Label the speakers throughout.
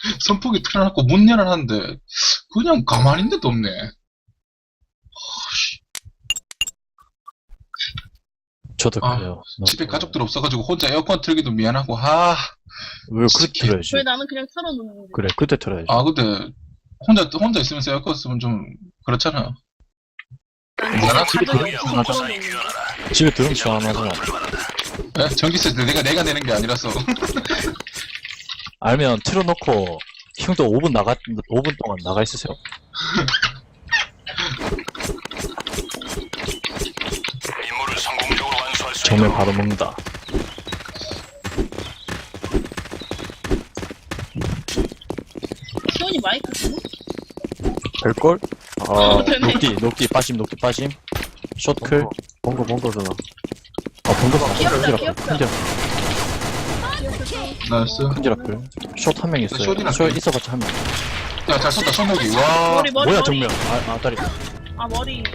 Speaker 1: 선풍기 틀어놓고 문 열어놨는데 그냥 가만히 있는 데도 없네.
Speaker 2: 저도
Speaker 1: 아,
Speaker 2: 그래요.
Speaker 1: 집에 가족들 없어가지고 혼자 에어컨 틀기도 미안하고. 아,
Speaker 2: 왜 그때
Speaker 1: 솔직히.
Speaker 2: 틀어야지?
Speaker 3: 왜 나는 그냥 틀어놓는
Speaker 2: 그래, 그때 틀어야지.
Speaker 1: 근데 혼자 있으면서 에어컨 쓰면 좀 그렇잖아.
Speaker 3: 나는
Speaker 1: 집에
Speaker 3: 가족이 없어서
Speaker 2: 하자.
Speaker 3: 틀어놓는 거야.
Speaker 2: 집에 들으면 시원하잖아.
Speaker 1: 예? 전기세 내가 내는 게 아니라서.
Speaker 2: 알면 틀어놓고 형도 5분 동안 나가 있으세요.
Speaker 4: 임무를 성공적으로 완수할 수
Speaker 2: 정말
Speaker 4: 있도록
Speaker 2: 바로 먹는다.
Speaker 3: 시원이 마이크 쓰나?
Speaker 2: 될걸? 아,
Speaker 3: 되네.
Speaker 2: 녹디 빠짐. 숏클.
Speaker 5: 번거잖아.
Speaker 2: 번거
Speaker 3: 귀엽다, 귀엽다.
Speaker 1: 나이스.
Speaker 2: 큰지라플. 숏 한 명 있어요.
Speaker 1: 숏이나
Speaker 2: 숏
Speaker 1: 그래.
Speaker 2: 있어봤자 한 명.
Speaker 1: 야, 잘 쏜다, 손목이. 와.
Speaker 3: 머리
Speaker 2: 뭐야,
Speaker 3: 머리.
Speaker 2: 정면. 다리.
Speaker 3: 아 머리.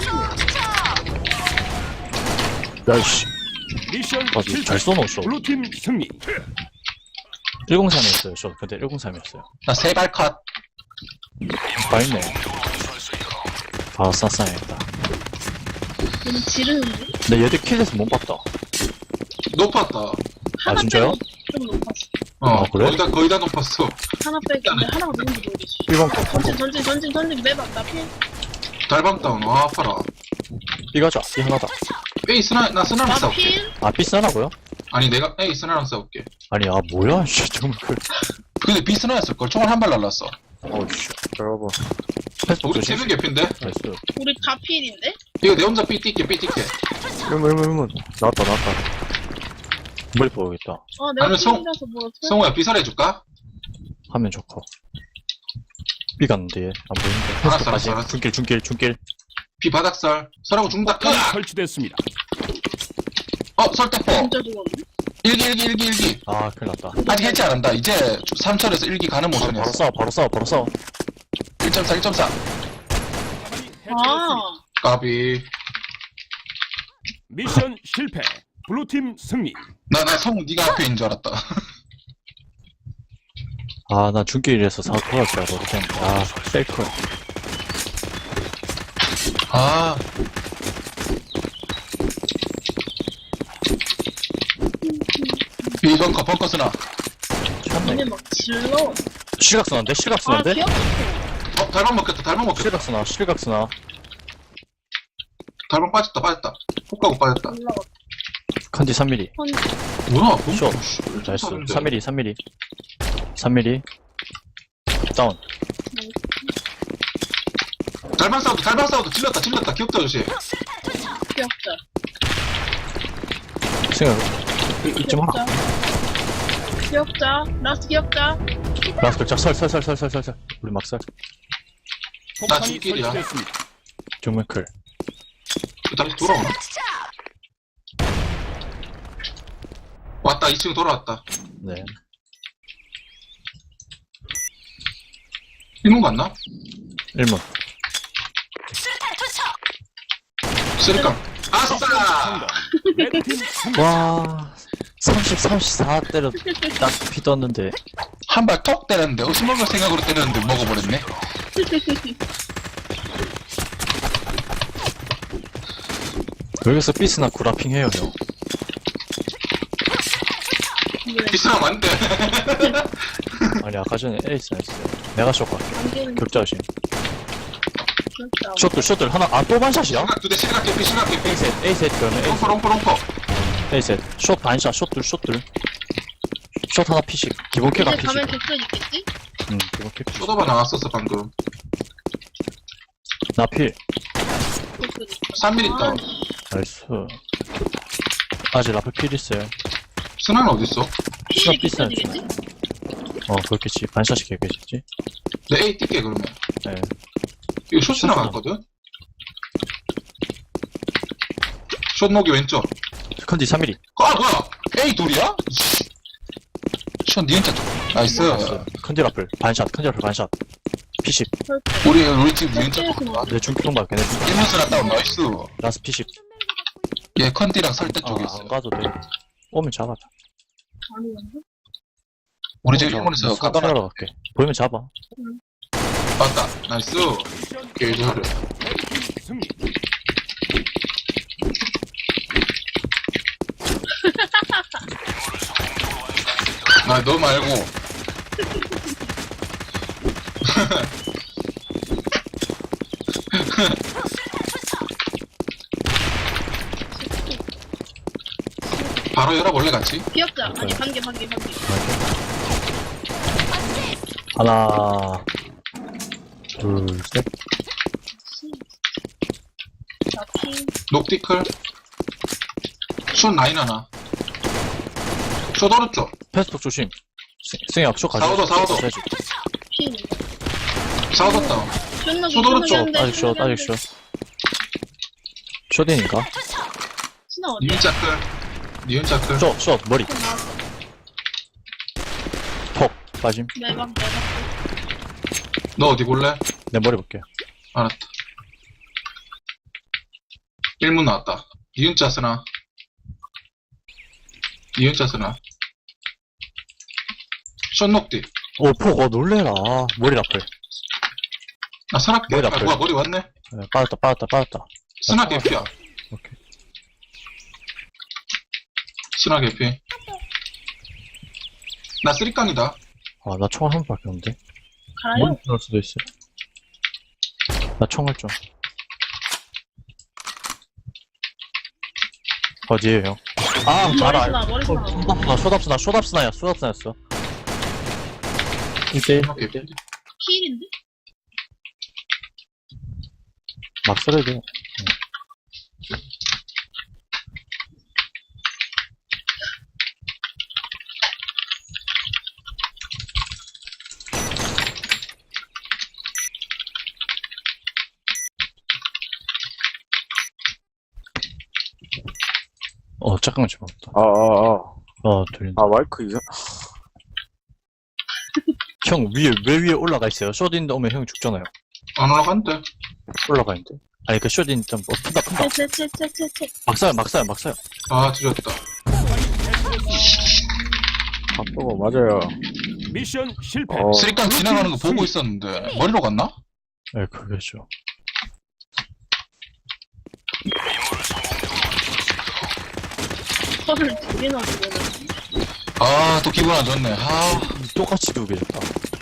Speaker 2: 야이씨.
Speaker 4: 미션
Speaker 2: 아주 잘 쏘노, 숏.
Speaker 4: 블루팀 승리.
Speaker 2: 103이었어요, 숏. 근데 103이었어요.
Speaker 1: 나 세발 컷.
Speaker 2: 다 있네.
Speaker 4: 성공적으로 완수할 수 있도록
Speaker 2: 바로 쌌어야겠다.
Speaker 3: 너무 지르는데?
Speaker 2: 근데 얘들 킬에서 못 봤다.
Speaker 1: 높았다.
Speaker 3: 하나
Speaker 2: 진짜요?
Speaker 3: 빼고 좀 높았어.
Speaker 1: 어,
Speaker 2: 아, 그래?
Speaker 1: 거의 다 높았어.
Speaker 3: 하나 빼고 근데 하나가 누군지 모르겠어.
Speaker 2: 1번 거.
Speaker 3: 전진 매박 나 피해.
Speaker 1: 달방 다운. 와, 아파라.
Speaker 2: B 가자. B 하나다.
Speaker 1: 에이, 나 스나랑
Speaker 3: 나
Speaker 1: 싸울게.
Speaker 3: 피해.
Speaker 2: 아, B 쓰나고요?
Speaker 1: 아니, 내가, 에이, 스나랑 싸울게.
Speaker 2: 아니, 뭐야, 씨, 정말.
Speaker 1: 근데 B 스나였을걸. 총알 한 발 날랐어.
Speaker 2: 씨.
Speaker 5: 여러분.
Speaker 2: 패스복
Speaker 1: 우리
Speaker 2: 조심.
Speaker 1: 3명 개핀데?
Speaker 2: 나이스.
Speaker 3: 우리 다 피해인데?
Speaker 1: 이거 내 혼자 B 띠게.
Speaker 5: 일문. 나왔다.
Speaker 2: 머리 보여야겠다.
Speaker 3: 아 내가
Speaker 1: 아니면 성-
Speaker 3: 피해라서 뭐 어떡해.
Speaker 1: 성우야, B 살해줄까?
Speaker 2: 하면 좋고. B 갔는데, 안 보이는데.
Speaker 1: 알았어,
Speaker 2: 패스복까지.
Speaker 1: 알았어.
Speaker 2: 중길.
Speaker 1: B 바닥설. 설하고 중다.
Speaker 4: 폭탄이 설치됐습니다.
Speaker 1: 설대포.
Speaker 3: 진짜 죽었네.
Speaker 1: 일기.
Speaker 2: 아, 큰일 났다.
Speaker 1: 아직 해체 안 한다. 이제 3철에서 일기 가는
Speaker 2: 바로
Speaker 1: 모션이었어.
Speaker 2: 싸워.
Speaker 1: 1.4.
Speaker 3: 아
Speaker 1: 까비.
Speaker 4: 미션 실패. 블루팀 승리.
Speaker 1: 나 성우 네가 앞에 있는 줄 알았다.
Speaker 2: 아, 나 중길에서 돌아올 줄 알고. 그냥, 셀클.
Speaker 1: 아. 벙커 스나.
Speaker 2: 참네.
Speaker 3: 얘네 막 질러.
Speaker 2: 실각스나인데?
Speaker 3: 아 귀엽다.
Speaker 1: 달방 먹겠다.
Speaker 2: 실각스나.
Speaker 1: 달방 빠졌다. 훅 가고 빠졌다.
Speaker 3: 올라가.
Speaker 2: 컨디 3mm.
Speaker 1: 뭐야?
Speaker 2: 숏. 나이스. 3mm. 다운.
Speaker 1: 달방 사우도 질렀다. 귀엽다, 아저씨.
Speaker 3: 귀엽다.
Speaker 2: 생각, 잊지 마라.
Speaker 3: 귀엽다. 라스트 귀엽다.
Speaker 2: 라스트 설. 우리 막설.
Speaker 4: 폭탄이
Speaker 1: 중길이야.
Speaker 4: 설치됐습니다.
Speaker 2: 정말 클.
Speaker 1: 다시 돌아오나? 왔다, 2층 돌아왔다.
Speaker 2: 네.
Speaker 1: 1문 갔나?
Speaker 2: 1문.
Speaker 1: 쓰리깡. 아싸!
Speaker 4: 성공. 레드팀 승리.
Speaker 2: 와, 34 때려 딱 피 떴는데.
Speaker 1: 한 발 톡 때렸는데, 먹을 생각으로 때렸는데 먹어버렸네.
Speaker 2: 여기서 비스나 구라핑 해요, 형.
Speaker 1: 비싸면 안 돼.
Speaker 2: 아니, 아까 전에 에이스 했어요. 내가 쇼 갈게.
Speaker 3: 안 되는
Speaker 2: 격자신.
Speaker 3: 귀엽다.
Speaker 2: 숏들 하나, 또 반샷이야?
Speaker 1: 시각 2대, 시각 개피.
Speaker 2: 에이셋, 그러면
Speaker 1: 롱퍼.
Speaker 2: 에이셋. 숏 반샷, 숏들. 숏 하나 피식. 기본 킬가
Speaker 3: 이제
Speaker 2: 피식.
Speaker 3: 가면 객선 있겠지?
Speaker 2: 기본 킬 피식.
Speaker 1: 쏟아봐 나왔었어, 방금.
Speaker 2: 나 필.
Speaker 3: 객선 있어.
Speaker 1: 3mm 다운.
Speaker 2: 나이스. 아직 라플 필 있어요.
Speaker 1: 스나는 어딨어?
Speaker 2: 시간
Speaker 3: 객선
Speaker 2: 비싸죠.
Speaker 3: 이겠지?
Speaker 2: 그렇겠지. 반샷이 개겠지.
Speaker 1: 내 A 뛸게, 그러면.
Speaker 2: 네.
Speaker 1: 이거 숏 스나 갔거든? 숏 목이 왼쪽.
Speaker 2: 컨디 3mm.
Speaker 1: 뭐야? A 둘이야? 숏 니은자 쪽. 나이스.
Speaker 2: 컨디 라플. 반샷. 피식.
Speaker 1: 우리 팀 니은자 쪽.
Speaker 2: 내 중기동 봐. 걔네 중기.
Speaker 1: 1문 스나 다운, 나이스.
Speaker 2: 라스 피식.
Speaker 1: 얘 컨디랑 설대 쪽에 있어.
Speaker 2: 안 가도 돼. 오면 잡아줘.
Speaker 3: 아니었나?
Speaker 1: 우리 지금 일본에서 깎아놔.
Speaker 2: 깎아하러 갈게. 보이면 잡아.
Speaker 1: 맞다. 나이스.
Speaker 4: 미션
Speaker 1: 개조를.
Speaker 4: 레드팀 승리.
Speaker 1: 아, 너 말고. 바로 열어볼래, 같이?
Speaker 3: 기억자. 아니, 반개.
Speaker 2: 하나, 둘, 셋.
Speaker 3: 자, 핑.
Speaker 1: 녹티클. 숏 라인 하나. 숏 오른쪽.
Speaker 2: 패스톡 조심. 승혁, 쇼 가져.
Speaker 1: 사오도, 사오도.
Speaker 3: 핑.
Speaker 1: 싸워졌다.
Speaker 3: 존나
Speaker 1: 쇼도르쪽.
Speaker 2: 아직 쇼. 쇼딘인가?
Speaker 3: 신나 어디?
Speaker 1: 니은자 클. 니은자 클.
Speaker 2: 쇼, 머리. 톡, 빠짐.
Speaker 3: 매방.
Speaker 1: 너 어디 볼래?
Speaker 2: 내 머리 볼게.
Speaker 1: 알았다. 1문 나왔다. 니은자 쓰나? 니은자 쓰나? 숏 녹디.
Speaker 2: 오, 폭, 놀래라. 머리 라플.
Speaker 1: 나 스나게.
Speaker 2: 머리
Speaker 1: 아,
Speaker 2: 아파요.
Speaker 1: 뭐야, 머리 왔네?
Speaker 2: 네, 빠졌다.
Speaker 1: 스나 개피야.
Speaker 2: 오케이.
Speaker 1: 스나 개피. 나 쓰리깡이다.
Speaker 2: 아, 나 총알 한 발밖에 없는데.
Speaker 3: 가요?
Speaker 2: 머리 들어올 수도 있어. 나 총알 좀. 어디에요, 형? 아, 알아.
Speaker 3: 머리 쓰나.
Speaker 2: 쇼답스나였어. 1대1.
Speaker 1: 스나 개피.
Speaker 3: 힐인데?
Speaker 2: 막 써야 돼. 잠깐만 집어먹다. 들린다.
Speaker 5: 마이크 이상.
Speaker 2: 형, 왜 위에 올라가 있어요? 쇼딘 오면 형 죽잖아요.
Speaker 1: 안 올라간대.
Speaker 2: 올라가 있는데. 아니, 그 쇼딘 좀, 푼다.
Speaker 3: 채.
Speaker 2: 막사요.
Speaker 1: 아, 드렸다.
Speaker 5: 바쁘고, 맞아요.
Speaker 4: 미션 실패.
Speaker 1: 쓰리깡 지나가는 거 보고 있었는데, 머리로 갔나?
Speaker 2: 네, 그게죠.
Speaker 3: 털을 두 개나 주고는.
Speaker 1: 아, 또 기분 안 좋네. 아,
Speaker 2: 똑같이 두개 줬다.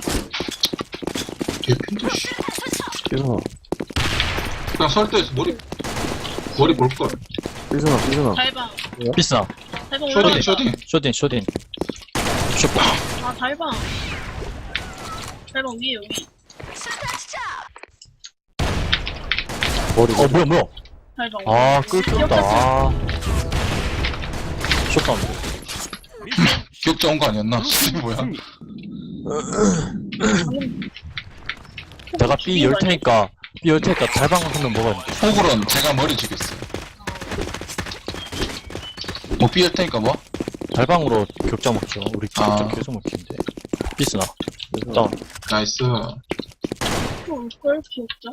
Speaker 1: 개핀데, 씨.
Speaker 5: 삐스나.
Speaker 1: 그냥 설대에서 머리 볼걸.
Speaker 5: 삐스나.
Speaker 3: 달방.
Speaker 2: 비스나.
Speaker 3: 달방
Speaker 1: 쇼딩,
Speaker 3: 올라간다.
Speaker 1: 쇼딩.
Speaker 2: 쇼딘. 쇼포.
Speaker 3: 아, 달방. 달방 위에, 여기.
Speaker 5: 머리.
Speaker 2: 뭐야.
Speaker 3: 달방.
Speaker 2: 아, 끌렸다. 아. 쇼다운.
Speaker 4: 미션
Speaker 1: 기억자 온 거 아니었나? 씨, 뭐야.
Speaker 4: 승리.
Speaker 2: 내가 B 열 테니까 달방 한명 먹어야 돼.
Speaker 1: 호구론 제가 머리 죽였어요. 뭐 삐할 테니까 뭐?
Speaker 2: 달방으로 격자 먹죠. 우리
Speaker 1: 아.
Speaker 2: 격자 계속 먹히는데. 비스나. 다운.
Speaker 1: 나이스.
Speaker 3: 올걸? 기억자?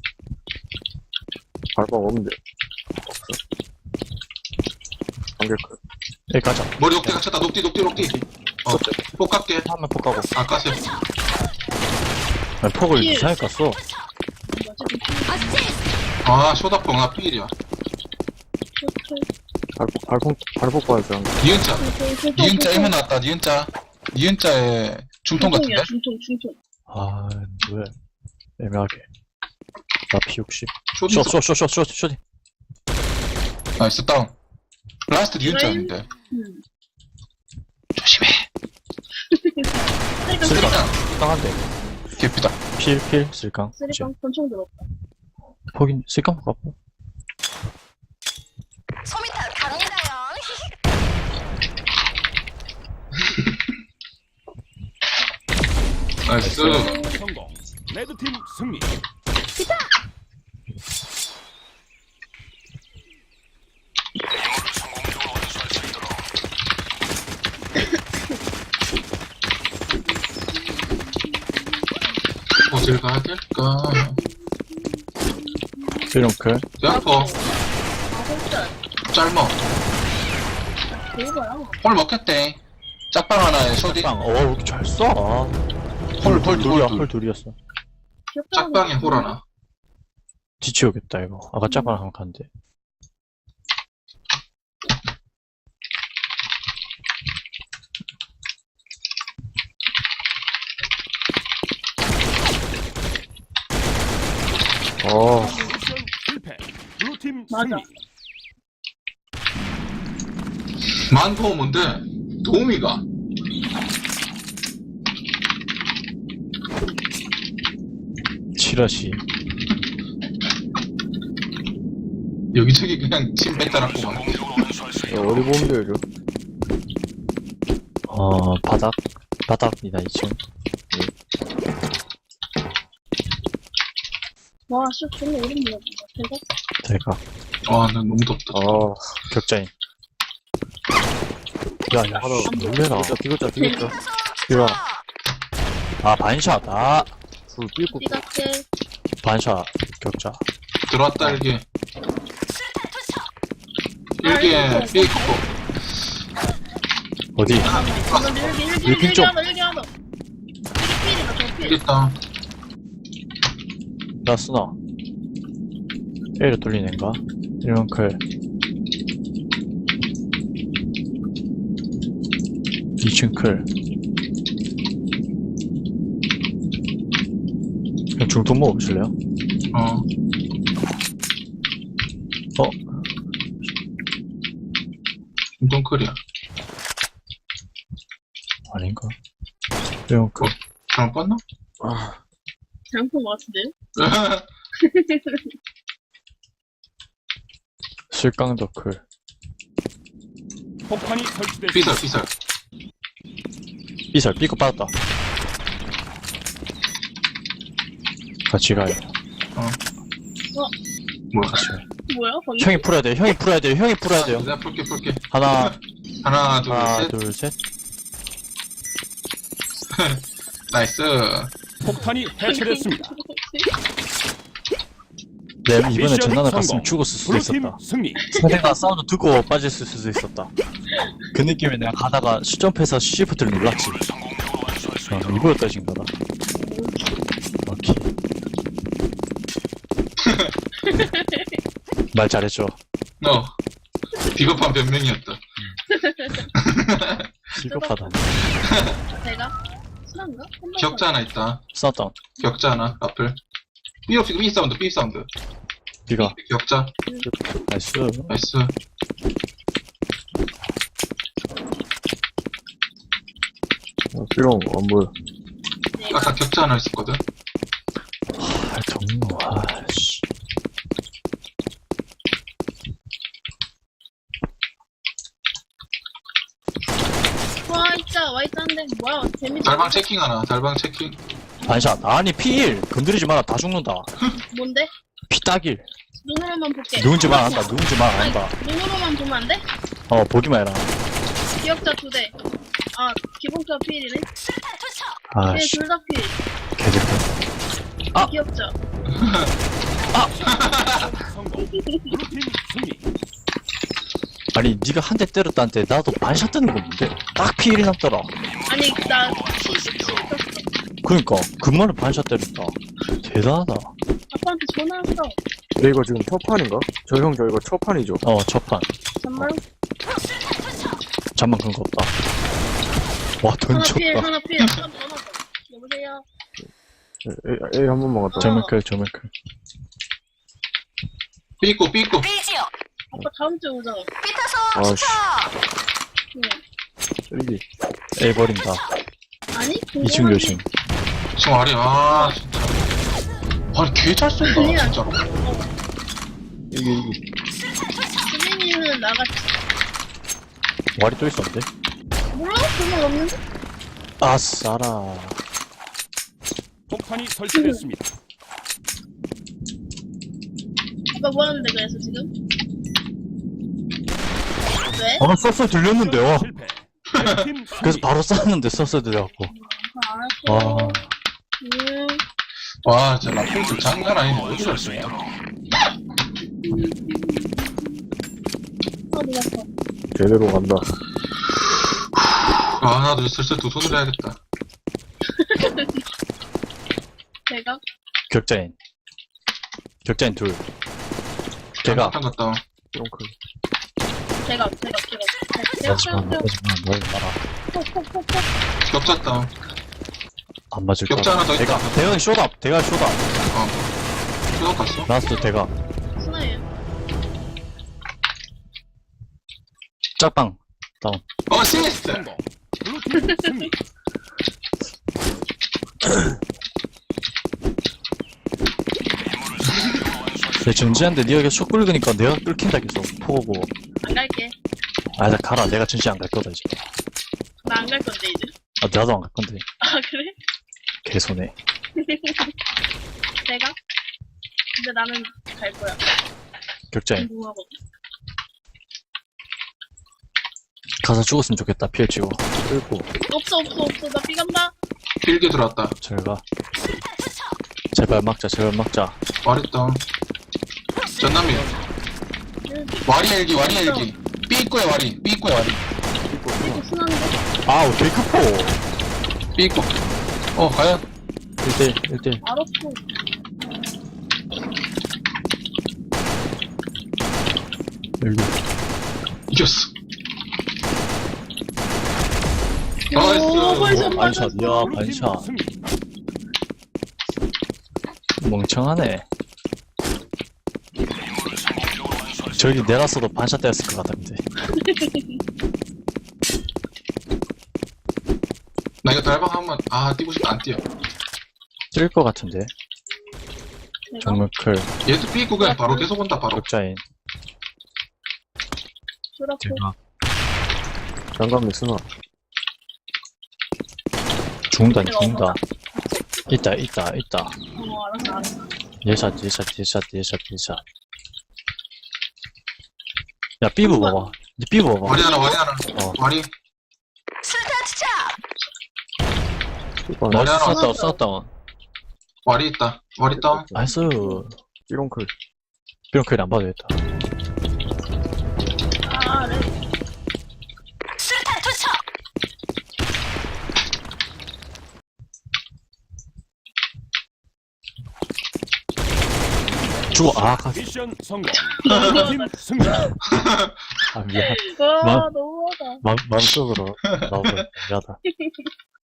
Speaker 5: 발방 없는데. 없어. 안개 크.
Speaker 2: 여기 가자.
Speaker 1: 머리 녹디 갇혔다. 녹디. 폭 깎게.
Speaker 2: 한명 폭 가고.
Speaker 1: 아, 까세요.
Speaker 2: 아니, 폭을
Speaker 3: 예.
Speaker 2: 이상하게 깠어.
Speaker 1: 아, 쇼다뽕 나 삐일이야.
Speaker 5: 발폭 봐야지.
Speaker 1: 니은자. 니은자 1문 나왔다. 니은자에 중통 같은데?
Speaker 3: 중통.
Speaker 2: 아, 왜. 애매하게. 나 P60.
Speaker 1: 쇼딩.
Speaker 2: 쇼딘.
Speaker 1: 나이스 다운. 라스트 니은자인데. 조심해. 쓰리깡.
Speaker 2: 땅한데.
Speaker 1: 개피다.
Speaker 2: 필, 쓸강.
Speaker 3: 쓰리깡 권총 들었다.
Speaker 2: 폭인, 쓸강 가고.
Speaker 6: 소미타 갑니다요.
Speaker 1: 나이스.
Speaker 4: 성공. 레드팀 승리.
Speaker 1: 어딜 가야 될까?
Speaker 2: 이런클.
Speaker 1: 대학포.
Speaker 3: 아, 진짜.
Speaker 1: 짧어.
Speaker 3: 대박이야.
Speaker 1: 오늘 먹겠대. 짝방 하나에 쇼디.
Speaker 2: 빵. 왜 이렇게 잘 쏴?
Speaker 1: 홀
Speaker 2: 둘이야,
Speaker 1: 둘.
Speaker 2: 홀 둘이었어.
Speaker 1: 짝방에 홀 하나.
Speaker 2: 뒤치우겠다, 이거. 아까 짝방 한번 갔는데.
Speaker 4: 미션 실패. 블루팀
Speaker 3: 맞아.
Speaker 4: 승리.
Speaker 1: 만포 뭔데? 도우미가.
Speaker 2: 지라시.
Speaker 1: 여기저기 그냥 침 뱉어놨구만.
Speaker 5: 어디 보면 돼요,
Speaker 2: 바닥이다, 2층.
Speaker 3: 와, 씨, 존나 오랜 만에 대박.
Speaker 2: 대각.
Speaker 1: 와, 난 너무 덥다.
Speaker 2: 격자인. 야, 놀래라.
Speaker 5: 뒤졌자.
Speaker 2: 이리와. 반샷.
Speaker 5: 불 삐고
Speaker 3: 삐각게.
Speaker 2: 반샷. 격자.
Speaker 1: 들어왔다, 일기. 일기에 삐 있고.
Speaker 2: 어디?
Speaker 3: 일기
Speaker 2: 좀.
Speaker 3: 하나, 일기 하나. 일기 필이다, 저 필.
Speaker 1: 있다.
Speaker 2: 나 쓰나? A로 뚫리는가? 1번 클. 2층 클. 그냥 중통 먹어보실래요?
Speaker 1: 어. 중동클이야.
Speaker 2: 아닌가? 1번 클.
Speaker 1: 잘못 봤나?
Speaker 3: 잘못 본것 같은데요?
Speaker 2: 실강도 클.
Speaker 4: 폭탄이 설치됐습니다.
Speaker 1: 삐설.
Speaker 2: 삐살, 삐고 빠졌다. 같이 가요.
Speaker 1: 뭐야?
Speaker 2: 같이 가요.
Speaker 3: 뭐야, 방금?
Speaker 2: 형이 풀어야 돼요.
Speaker 1: 내가 풀게.
Speaker 2: 하나,
Speaker 1: 하나,
Speaker 2: 하나,
Speaker 1: 둘, 셋.
Speaker 2: 둘, 셋.
Speaker 1: 나이스.
Speaker 4: 폭탄이 해체됐습니다.
Speaker 2: 네, 이번에
Speaker 4: 미션
Speaker 2: 전난을
Speaker 4: 성공.
Speaker 2: 갔으면 죽었을 수도
Speaker 4: 블루팀
Speaker 2: 있었다.
Speaker 4: 승리.
Speaker 2: 상대가 사운드 듣고 빠졌을 수도 있었다. 그 느낌에 내가 가다가 시점프해서 시프트를 눌렀지. 이거였다, 지금 가다. 오케이. 말 잘했죠.
Speaker 1: 비겁한 변명이었다.
Speaker 2: 실급하다.
Speaker 3: 제가? 실한가?
Speaker 1: 격자 하나 있다.
Speaker 2: 싸웠다.
Speaker 1: 격자 하나, 앞을. 삐 사운드.
Speaker 2: 비가.
Speaker 1: 격자.
Speaker 2: 나이스.
Speaker 1: 나이스.
Speaker 5: 삐롱 안 보여.
Speaker 1: 아까 격자 하나 있었거든.
Speaker 2: 정모, 아씨.
Speaker 3: 와있다는데, 뭐야, 재밌다.
Speaker 1: 달방 체킹 하나, 달방 체킹.
Speaker 2: 반샷. 아니, P1. 건드리지 마라. 다 죽는다.
Speaker 3: 뭔데?
Speaker 2: P 따길.
Speaker 3: 눈으로만 볼게.
Speaker 2: 누군지 말 안 한다. 누군지 말 안
Speaker 3: 아니,
Speaker 2: 한다.
Speaker 3: 눈으로만 보면 안 돼?
Speaker 2: 보기만 해라.
Speaker 3: 기억자 2대. 아, 기본자 필이네.
Speaker 2: 아씨.
Speaker 3: 둘다 필.
Speaker 2: 개새끼.
Speaker 3: 기억자.
Speaker 4: 성공. 블루팀 승리.
Speaker 2: 아니, 니가 한 대 때렸다는데 나도 반샷 뜨는 거 뭔데? 딱 P1이 남더라.
Speaker 3: 아니, 나 P17 썼어.
Speaker 2: 그니까, 금마를 반샷 때렸다. 대단하다.
Speaker 3: 아빠한테 전화했어.
Speaker 5: 근데 이거 지금 첫 판인가? 저 이거 첫 판이죠?
Speaker 2: 첫 판.
Speaker 3: 정말?
Speaker 2: 잠만 그런 거 없다. 와, 돈
Speaker 3: 하나 필,
Speaker 2: 줬다.
Speaker 3: 하나 필. 한 번 더. 여보세요?
Speaker 5: A 한 번만 갔다.
Speaker 2: 정면클.
Speaker 1: 삐 있고.
Speaker 3: 아빠 다음 주에 오잖아.
Speaker 5: 아씨,
Speaker 3: 응.
Speaker 5: 쓰리지.
Speaker 2: A 버린다.
Speaker 3: 아니?
Speaker 2: 2층 조심.
Speaker 1: 지금 아래, 진짜. 아니, 개 잘 쏜다,
Speaker 3: 아니야.
Speaker 1: 진짜로.
Speaker 5: 이기.
Speaker 3: 수빈이는 나갔지.
Speaker 2: 와리 또 있었는데?
Speaker 3: 몰라? 그건 없는데?
Speaker 2: 아싸라.
Speaker 4: 폭탄이 설치됐습니다.
Speaker 3: 아빠 뭐 하는데 그래서 지금? 왜?
Speaker 2: 서서 들렸는데요.
Speaker 4: 실패. 레드팀 승리.
Speaker 2: 그래서 바로 쐈는데 서서 들려갖고.
Speaker 3: 알았어.
Speaker 2: 와.
Speaker 1: 와, 진짜 라플들 장난 아니네. 어디 잘 쏘냐.
Speaker 3: 아, 놀랐어.
Speaker 5: 제대로 간다.
Speaker 1: 아, 나도 슬슬 두 손으로 해야겠다.
Speaker 3: 제가
Speaker 2: 격자인. 격자인 둘. 제가.
Speaker 1: 잠깐 갔다 와.
Speaker 5: 삐롱클.
Speaker 3: 제가
Speaker 2: 마지막, 널 봐라.
Speaker 3: 콕콕콕콕
Speaker 1: 격자 다운.
Speaker 2: 안 맞을 거.
Speaker 1: 격자 하나 더 있다.
Speaker 2: 대가는 쇼답. 대가 쇼답.
Speaker 1: 수석 갔어?
Speaker 2: 라스트 대가.
Speaker 3: 스나예요.
Speaker 2: 짝방. 다운.
Speaker 1: 어시스트!
Speaker 4: 성공. 블루팀 승리.
Speaker 2: 내 전지한데 니가 계속 끌으니까 내가 끌킨다 계속. 포고.
Speaker 3: 안 갈게.
Speaker 2: 아, 나 가라. 내가 전지 안 갈 거다, 이제.
Speaker 3: 나 안 갈 건데 이제.
Speaker 2: 아, 나도 안 갈 건데.
Speaker 3: 아 그래?
Speaker 2: 개손해.
Speaker 3: 내가? 근데 나는 갈 거야.
Speaker 2: 격자인.
Speaker 3: 궁금하거든.
Speaker 2: 가서 죽었으면 좋겠다. 피해 치고.
Speaker 5: 끌고.
Speaker 3: 없어. 나 삐간다.
Speaker 1: 길게 들어왔다.
Speaker 2: 잘 가. 제발 막자, 제발 막자.
Speaker 1: 와리 다운. 전남이. 와리 헬기, 와리 헬기. B 입구에 와리, B 입구에 와리.
Speaker 3: 이거 순한데?
Speaker 2: 아우, 개크포!
Speaker 1: B 입구. 과연?
Speaker 2: 1대1, 1대1.
Speaker 3: 알았고.
Speaker 2: 여기.
Speaker 1: 이겼어.
Speaker 3: 오,
Speaker 1: 나이스.
Speaker 3: 벌써
Speaker 2: 반샷, 야,
Speaker 4: 블루팀
Speaker 2: 반샷.
Speaker 4: 승리.
Speaker 2: 멍청하네. 저기 내놨어도 반샷 때였을 것 같은데.
Speaker 1: 나 이거 달방 한번, 뛰고 싶다, 안 뛰어.
Speaker 2: 찔 것 같은데.
Speaker 3: 내가?
Speaker 2: 정말 클.
Speaker 1: 얘도 B 입구 그냥 바로 계속 온다, 바로.
Speaker 2: 격자인.
Speaker 3: 그렇고.
Speaker 2: 제가.
Speaker 5: 장갑 맥스나.
Speaker 2: 죽는다,
Speaker 3: 내가
Speaker 2: 죽는다. 있다.
Speaker 3: 알았어.
Speaker 2: 예샷. 야, 삐부 봐봐. 이제 삐부 봐봐.
Speaker 1: 와리 하나.
Speaker 2: 어.
Speaker 1: 와리.
Speaker 6: 수류탄 투척.
Speaker 5: 삐롱.
Speaker 1: 머리 하나
Speaker 2: 쐈다, 쐈다.
Speaker 1: 와리 있다. 와리 다운.
Speaker 2: 나이스.
Speaker 5: 삐롱클.
Speaker 2: 삐롱클 안 봐도 되겠다.
Speaker 3: 아, 그래.
Speaker 6: 수류탄 투척.
Speaker 2: 죽어.
Speaker 4: 미션 성공. 블루팀 승리.
Speaker 2: 미안.
Speaker 3: 와,
Speaker 2: 마-
Speaker 3: 너무하다.
Speaker 2: 마음속으로 나오고 미안하다.